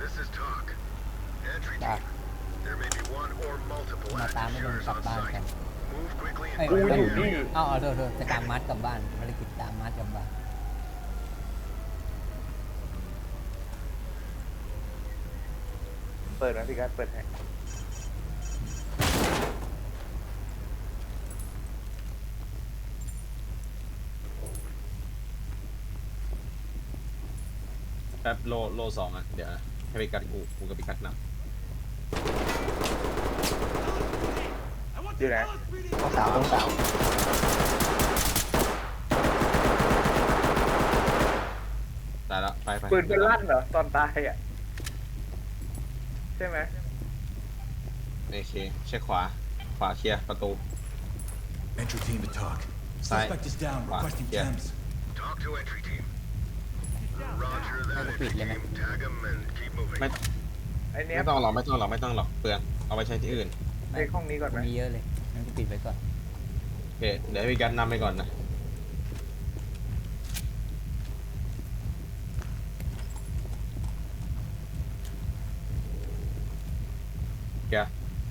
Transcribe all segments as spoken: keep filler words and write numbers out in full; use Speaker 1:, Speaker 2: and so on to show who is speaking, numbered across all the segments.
Speaker 1: จ้ะ
Speaker 2: There may be one or multiple
Speaker 1: มาตามไม่โดน
Speaker 2: active
Speaker 1: กลับ
Speaker 2: shooters
Speaker 1: บ้าน
Speaker 2: on
Speaker 1: กัน
Speaker 2: site. Move quickly
Speaker 1: เอ้ย
Speaker 2: and
Speaker 3: กู
Speaker 2: find
Speaker 3: อยู่
Speaker 2: the
Speaker 3: นี่
Speaker 2: area.
Speaker 1: เอาเอาโทษโทษจะตามมัดกลับบ้านภารกิจตามมัดกลับบ้าน
Speaker 3: เปิดนะพี่กัสเปิดให้
Speaker 4: แป๊บโลโลสองอ่ะเดี๋ยวให้ไปกัดกูกูกับไปกัดน
Speaker 3: อยู่ไหน
Speaker 5: ต้องสาวต้องสาว
Speaker 4: ำตายแล้วไปไป
Speaker 3: ปืนเป็นลั่นเหรอตอนตายอ่ะใช่ไหม
Speaker 4: โอเคเช็คขวาขวาเคลียร์ประตู
Speaker 6: Entry team to talk.
Speaker 4: Side.
Speaker 6: Suspect is down,
Speaker 4: Wow,
Speaker 6: requesting
Speaker 4: yeah.
Speaker 6: Thames.
Speaker 2: Talk to entry team. Roger that,
Speaker 1: Hey,
Speaker 2: entry
Speaker 1: repeat,
Speaker 2: team. Tag them and keep moving.
Speaker 4: ไม่
Speaker 3: ไอเนี้ย
Speaker 4: ไม่ต้องหรอกไม่ต้องหรอกไม่ต้องหรอกเปลืองเอาไปใช้ที่อื่น
Speaker 3: ในห้องนี้ก่อนไหม
Speaker 1: มีเยอะเลยงั้นกูปิดไว้ก่อน
Speaker 4: โอเคเดี๋ยวให้พี่กัดนำไปก่อนนะเคลียร์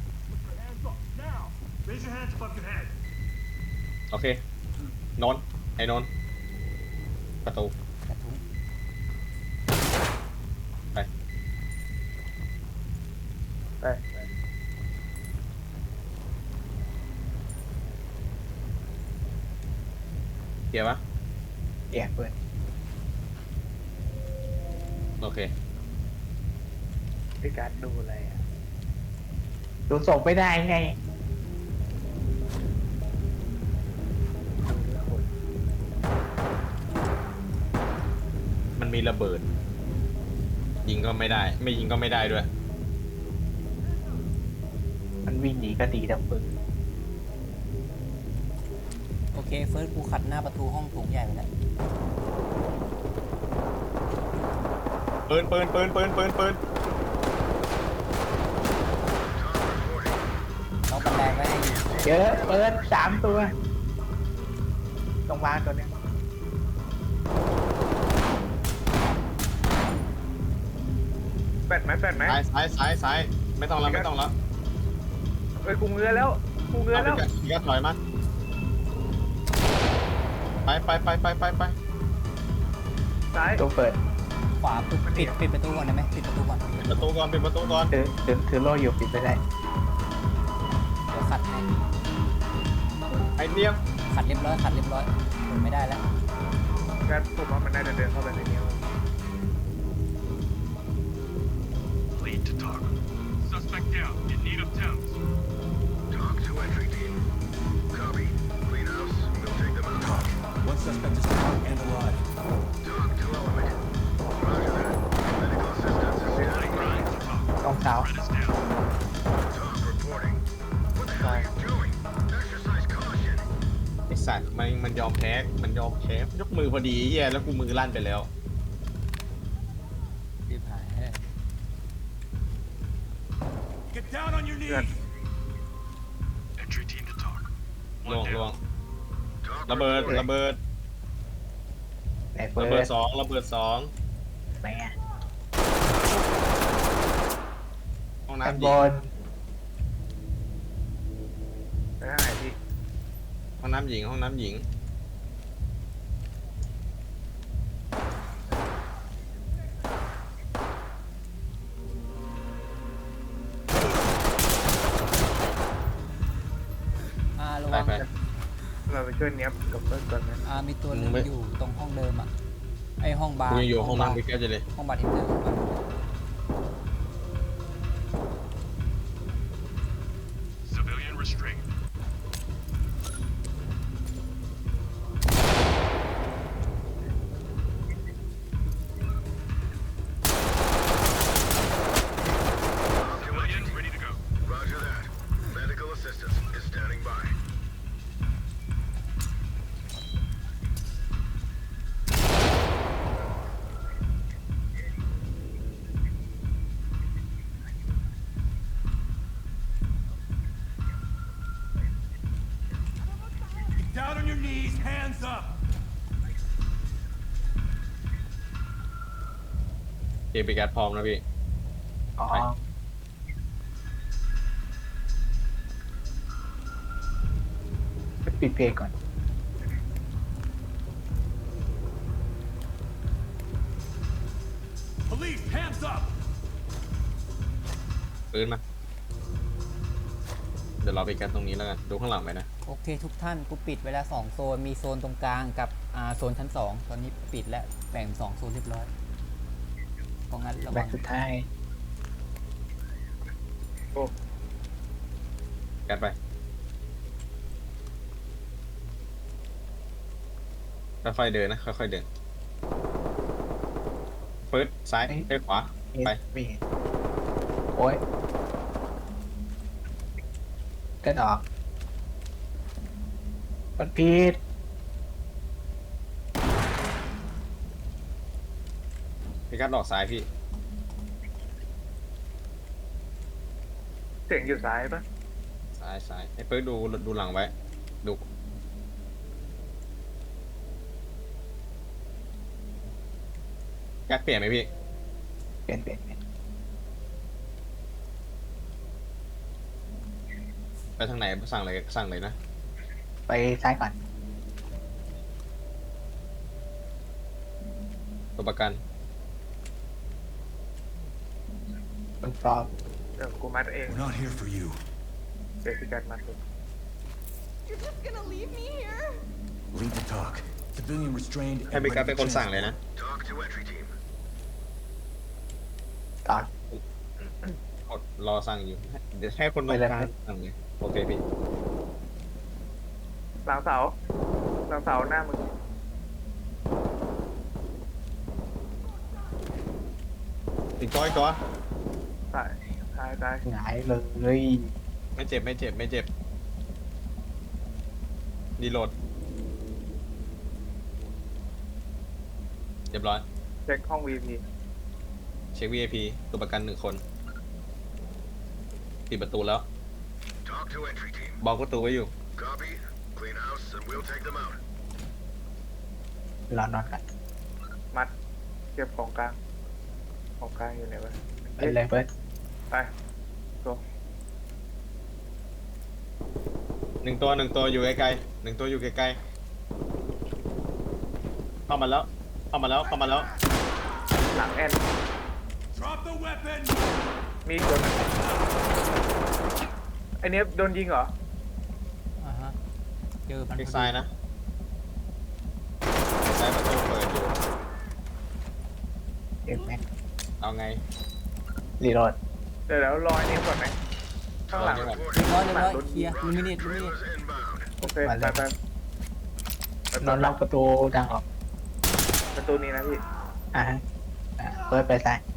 Speaker 7: Raise your hands above your head.
Speaker 4: โอเค นนท์ไอ้นนท์ประตู
Speaker 1: กระทุ้ง
Speaker 4: ไป
Speaker 3: ไป
Speaker 4: เคลียร์ปะ
Speaker 5: เอี่ยเปิด
Speaker 4: โอเค
Speaker 3: พี่กัสดูอะไรอ่ะ
Speaker 5: ดูส่งไม่ได้ไง
Speaker 4: มันมีระเบิด ยิงก็ไม่ได้ ไม่ยิงก็ไม่ได้ด้วย
Speaker 5: มันวิ่งหนีก็ตีดับปืน
Speaker 1: โอเคเฟิร์สกูขัดหน้าประตูห้องโถงใหญ่ไปแล้ว
Speaker 4: ปืนปืนปืนปืนปืนปืน
Speaker 1: ล็อกบันไดไว้ให้อยู่
Speaker 5: เยอะเปิดสามตัวตรงวางตัวเนี้ย
Speaker 3: แปดไหมแปดไหม
Speaker 4: ซ้ายซ้ายซ้ายซ้ายไม่ต้องแล้วไม่ต้องแล้ว
Speaker 3: เอ้ยกูเงือแล้วกูเงือ
Speaker 4: เอา
Speaker 3: แล้ว
Speaker 4: พี่กัดถอยมาไปไปไปไปไปไป
Speaker 3: ซ้าย
Speaker 5: ตัวเปิด
Speaker 1: ขวาปิดปิดปิดประตูก่อนได้ไหมปิดประตูก่อน
Speaker 4: ปิดประตูก่อนปิดประตูก่อน
Speaker 5: ถือถือถือโล่อยู่ปิดไม่ได้
Speaker 1: เดี๋ยวขัดให้
Speaker 4: ไอเนียม
Speaker 1: ขัดเรียบร้อยขัดเรียบร้อยเปิดไม่ได้แล้ว
Speaker 3: กัสผมว่ามันน่าจะเดินเข้าไปในนี้
Speaker 7: Lead to talk. Suspect down. In need of Thames.
Speaker 2: Talk to entry team. Copy. Clean house. We'll take them out.
Speaker 6: Talk. One suspect is down and alive.
Speaker 2: Talk to element. Roger that. Medical assistance is standing by.
Speaker 7: Talk.
Speaker 5: ต้องสาว
Speaker 7: Red is down.
Speaker 2: Talk reporting. What the hell are you doing? Exercise caution.
Speaker 4: ไอสัตว์มันมันยอมแพ้มันยอมแพ้ยกมือพอดีเหี้ยแล้วกูมือลั่นไปแล้ว
Speaker 1: รีบหายให้
Speaker 6: Get down on your
Speaker 3: Good.
Speaker 6: knees.
Speaker 7: Entry team to talk.
Speaker 4: ลวง
Speaker 7: One
Speaker 4: ลวง
Speaker 7: down.
Speaker 2: Talk
Speaker 4: ระเบิด
Speaker 2: reporting.
Speaker 4: ระเบิด
Speaker 5: ไหนเปิ
Speaker 4: ระเบิด
Speaker 5: ด
Speaker 4: สองระเบิดสอง
Speaker 5: ไหนอะ
Speaker 4: ห้อง
Speaker 5: ข้าง
Speaker 4: น้ำห
Speaker 5: บ
Speaker 4: ญิง
Speaker 5: น
Speaker 3: ไปทางไหนพี่
Speaker 4: ห้องน้ำหญิงห้องน้ำหญิง
Speaker 1: อ่าระ
Speaker 4: ไป
Speaker 1: วัง
Speaker 4: ไป
Speaker 3: เราไปช่วยเนี้ยบกับเพื่อนก่อนนะ
Speaker 1: อ่ามีตัวหนึง
Speaker 4: ไม่
Speaker 1: อยู่ตรงห้องเดิมอ่ะไอห้องบาร์
Speaker 4: กูยังอยู่ห้อง
Speaker 1: บา
Speaker 4: น้ำ
Speaker 1: ร์
Speaker 4: พี่แก้วจะเลย
Speaker 1: ห้องบาร์ที่เจอ
Speaker 7: Civilian restraint. Civilian ready to go.
Speaker 2: Roger that. Medical assistance is standing by.
Speaker 4: เกมไปแกดพร้อมนะพี่
Speaker 5: อ๋อปิดเพลงก่อน
Speaker 6: Police, hands up!
Speaker 4: ปืนมา เดี๋ยวเราไปกันตรงนี้แล้วกัน ดูข้างหลังไปนะ
Speaker 1: โอเคทุกท่านกูปิดไว้แล้วสองโซนมีโซนตรงกลางกับอ่าโซนชั้นสองตอนนี้ปิดแล้วแบ่งเป็นสองโซนเรียบร้อยเพราะงั้นระ
Speaker 5: แบ
Speaker 1: วั
Speaker 5: บ
Speaker 1: ง
Speaker 5: สุดท้าย
Speaker 4: กันไปค่อยๆเดินนะ ค่อยๆเดินเฟิร์สซ้ายเอ้ยขวา ไป
Speaker 5: ไม่เห็นโอ้ยเดินออกกดผิด
Speaker 4: พี่กัดออกซ้ายพี่
Speaker 3: เสียงอยู่ซ้ายปะ
Speaker 4: ซ้ายซ้ายไอ้เฟิร์สดูดูหลังไว้ ดู กัดเปลี่ยนไหมพี่
Speaker 5: เปลี่ยนเปลี่ยนเปลี่ยน
Speaker 4: ไปทางไหนสั่งเลยสั่งเลยนะ
Speaker 5: ไปซ้ายก่อน
Speaker 4: ตัวประกัน
Speaker 5: มันปลอม
Speaker 3: เดี๋ยวกูมัดเอง
Speaker 6: We're not here for you.
Speaker 3: เดี๋ยวพี่การมัดเอง
Speaker 8: You're just gonna leave me here?
Speaker 6: Lead the talk. Civilian restrained
Speaker 4: ให้
Speaker 6: and
Speaker 4: พี่กัด
Speaker 6: ready
Speaker 4: เป็น
Speaker 6: to
Speaker 4: คนสั่งเลยนะ
Speaker 2: Talk to entry team.
Speaker 5: ต่อ
Speaker 4: กดรอสั่งอยู่ เดี๋ยวให้คนตรงกลางสั่งเลย โอเคพี่
Speaker 3: หลังเสาหลังเสาหน้ามึง
Speaker 4: อีกตัวอีกตัว
Speaker 3: ซ้ายซ้ายซ้าย
Speaker 5: หงายเลย
Speaker 4: ไม่เจ็บไม่เจ็บไม่เจ็บดีโหลดเรียบร้อย
Speaker 3: เช็คห้อง วี พี
Speaker 4: เช็ค วี ไอ พี ตัวประกันหนึ่งคน ปิดประตูแล้ว
Speaker 2: Talk to entry team.
Speaker 4: บอกประตูไว้อยู่
Speaker 2: Copy. Clean house and we'll take them out.
Speaker 5: รอนอนก่อน
Speaker 3: มัดเก็บของกลางของกลางอยู่ไหนวะ
Speaker 5: ไปเลยเฟิร์ส
Speaker 3: ไปตัว
Speaker 4: หนึ่งตัวหนึ่งตัวอยู่ไกลๆหนึ่งตัวอยู่ไกลๆเข้ามาแล้ว เข้ามาแล้ว เข้ามาแล้ว
Speaker 3: หลังแอน
Speaker 6: Drop the weapon!
Speaker 3: มีอีกตัวหนึงไอเนี้ยโดนยิงเหรอ
Speaker 1: อ่าฮะเจอมัน
Speaker 4: คลิก
Speaker 1: พอ
Speaker 4: ซ้าย
Speaker 1: ดี
Speaker 4: นะซ้ายประตูเปิดอยู่
Speaker 5: เอ็มแม็ก
Speaker 4: เอาไง
Speaker 5: รีโหลด
Speaker 3: เดี๋ยวเดี๋ยวรอไอนี้ก่อนไหมข้างหลัง
Speaker 4: รอนี่ก่อน
Speaker 1: เรียบร้อยเรียบร้อยเคลียร์ลิมิเนตลิมิเนต
Speaker 2: Trailers inbound.
Speaker 3: โอเคไปไปไป
Speaker 5: นอนล็อกประตูดังออก
Speaker 3: ประตูนี้นะพี่
Speaker 5: อ่าฮะอ่าเฟิร์สไปซ้าย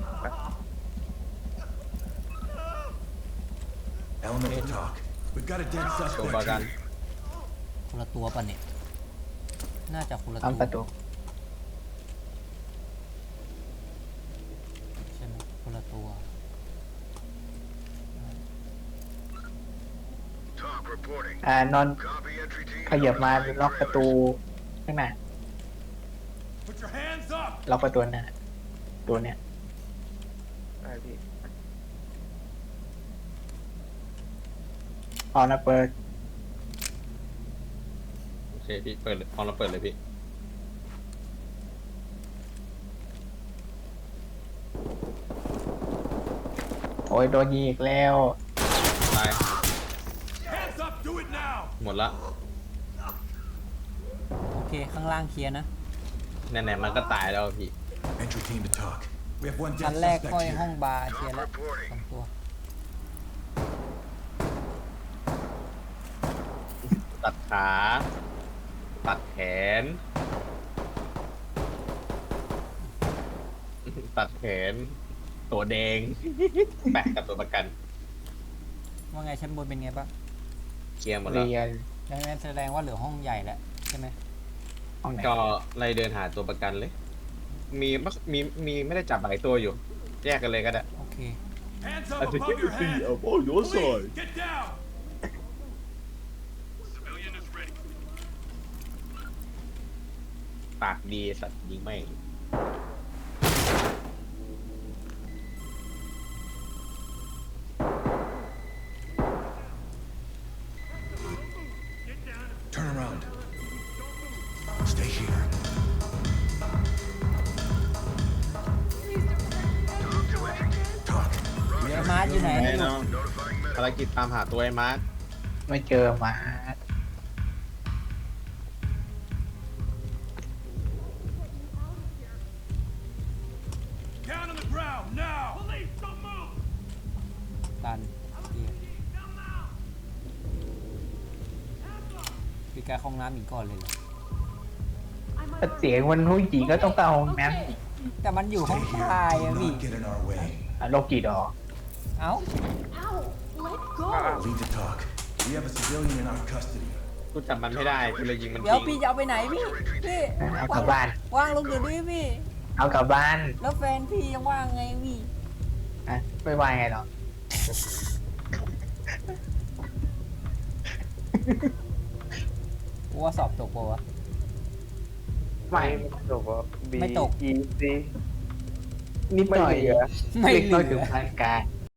Speaker 6: Element to talk. We've got a dead
Speaker 4: ตัวประ
Speaker 6: suspect
Speaker 4: กัน
Speaker 6: here.
Speaker 1: คนละตัวป่ะเนี่ยน่าจะคนละ
Speaker 5: อ้อม
Speaker 1: ตัว
Speaker 5: ประตู
Speaker 1: ใช่ไหมคนละตัว
Speaker 2: Talk reporting.
Speaker 5: อ่านอน
Speaker 2: Copy entry team.
Speaker 5: ขยับมาล็อกประตูข้างหน้า
Speaker 6: Put your hands up!
Speaker 5: ล็อกประตูหน้าตัวเนี้ย
Speaker 3: ไอพี่
Speaker 5: พอนะเปิด
Speaker 4: โอเคพี่ เปิดเลยพร้อมเราเปิดเลยพี่
Speaker 5: โอ้ยโดนยิงอีกแล้ว
Speaker 4: ตาย
Speaker 6: Hands up! Do it now!
Speaker 4: หมดละ
Speaker 1: โอเคข้างล่างเคลียร์นะ
Speaker 4: ไหนๆมันก็ตายแล้วพี่
Speaker 6: Entry team to talk. We have one
Speaker 1: ชั้
Speaker 6: dead
Speaker 1: นแรก
Speaker 6: suspect
Speaker 1: ค่อย
Speaker 6: here.
Speaker 1: ห้องบาร์เคลียร์
Speaker 2: Talk
Speaker 1: แล้ว
Speaker 2: reporting.
Speaker 1: สองตัว
Speaker 4: ตัดขา ตัดแขน ตัดแขน ตัวแดง แปะกับตัวประกัน
Speaker 1: ว่าไงชั้นบนเป็นไงบ้าง
Speaker 4: เคลียร์หมดแล้ว
Speaker 5: เรียน
Speaker 1: ดังนั้นแสดงว่าเหลือห้องใหญ่แล้วใช่ไหม
Speaker 5: ห้องไหน
Speaker 4: ก็ไล่เดินหาตัวประกันเลย มีมีมีไม่ได้จับหลายตัวอยู่ แยกกันเลยก็ได้
Speaker 1: โอเค
Speaker 6: Hands up
Speaker 4: I think
Speaker 6: above your
Speaker 4: everything
Speaker 6: head!
Speaker 4: up on your
Speaker 6: Police,
Speaker 4: side.
Speaker 6: get down!
Speaker 7: Civilian is ready.
Speaker 4: ปากดีสัตว์ยิงไม่ง
Speaker 6: ground. Stay here. Talk. We
Speaker 1: ไอ้
Speaker 6: have
Speaker 1: มาร์ทอยู่ไหน
Speaker 4: แน่นอนภารกิจตามหาตัวไอ้มาร์ค
Speaker 5: ไม่เจอมา
Speaker 6: Down on the ground now. Police, don't move.
Speaker 1: ตันเหี้ยพี่แกเข้าห้องน้ำอีกก่อนเลยเหรอ
Speaker 5: ถ้าเสียงมันผู้หญิงก็ต้องเข้าห้องน้ำอีก
Speaker 1: แต่มันอยู่ห้อง
Speaker 6: Stay
Speaker 1: ชาย
Speaker 6: here.
Speaker 1: อะ
Speaker 6: Do
Speaker 1: พี่
Speaker 6: not get in our way.
Speaker 5: อ่ะโลกีดอ
Speaker 1: เอ้า
Speaker 8: Ow! Let go!
Speaker 6: Lead to talk. We have a civilian in our custody.
Speaker 4: กูจับมันไม่ได้กูเลยยิงมัน
Speaker 1: เดี๋ยว
Speaker 4: ทิ้
Speaker 1: พี่
Speaker 4: ง
Speaker 1: จะเอาไปไหนพี่พี่
Speaker 5: เอากลับบ้าน
Speaker 1: ว่างลงเดี๋ยวนี้พี่
Speaker 5: เอากลับบ้าน
Speaker 1: แล้วแฟนพี่ยังว่างไงพี่
Speaker 5: อ่ะไม่ว่าไงหรอก
Speaker 1: กูว่าสอบตกปะวะ
Speaker 5: ไม่
Speaker 3: ไม่ตกว่า B
Speaker 1: ไม่ตก
Speaker 3: E C
Speaker 5: นิดหน่อย
Speaker 3: ไม่เหลือ
Speaker 1: ไม่
Speaker 5: เล็ก
Speaker 1: เห
Speaker 5: น้อย
Speaker 1: ลื
Speaker 5: ถึง
Speaker 1: อ
Speaker 5: ปานกลาง